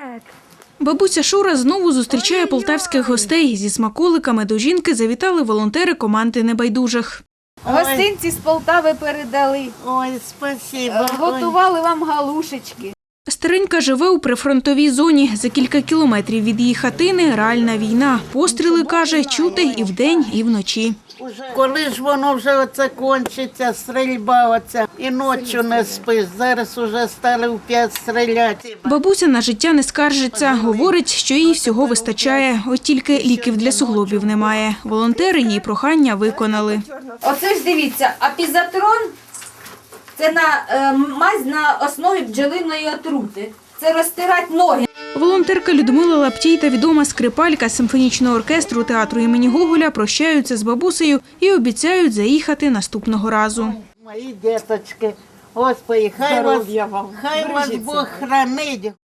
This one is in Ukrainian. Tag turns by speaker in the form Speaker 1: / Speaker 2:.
Speaker 1: Бабуся Шура знову зустрічає полтавських гостей. Зі смаколиками до жінки завітали волонтери команди небайдужих.
Speaker 2: Гостинці з Полтави передали.
Speaker 3: Ой, спасибо.
Speaker 2: Готували вам галушечки.
Speaker 1: Старенька живе у прифронтовій зоні. За кілька кілометрів від її хатини реальна війна. Постріли, каже, чути і вдень, і вночі.
Speaker 3: Коли ж воно вже оце кончиться, стрільба оця, і ночі не спиш. Зараз уже стали в 5 стріляти.
Speaker 1: Бабуся на життя не скаржиться. Говорить, що їй всього вистачає. От тільки ліків для суглобів немає. Волонтери її прохання виконали.
Speaker 2: Оце ж дивіться, апізатрон – це мазь на основі бджолиної отрути. Це розтирати ноги.
Speaker 1: Волонтерка Людмила Лаптій та відома скрипалька симфонічного оркестру театру імені Гоголя прощаються з бабусею і обіцяють заїхати наступного разу.
Speaker 3: Мої діточки, Господи, хай вас Бог хранить.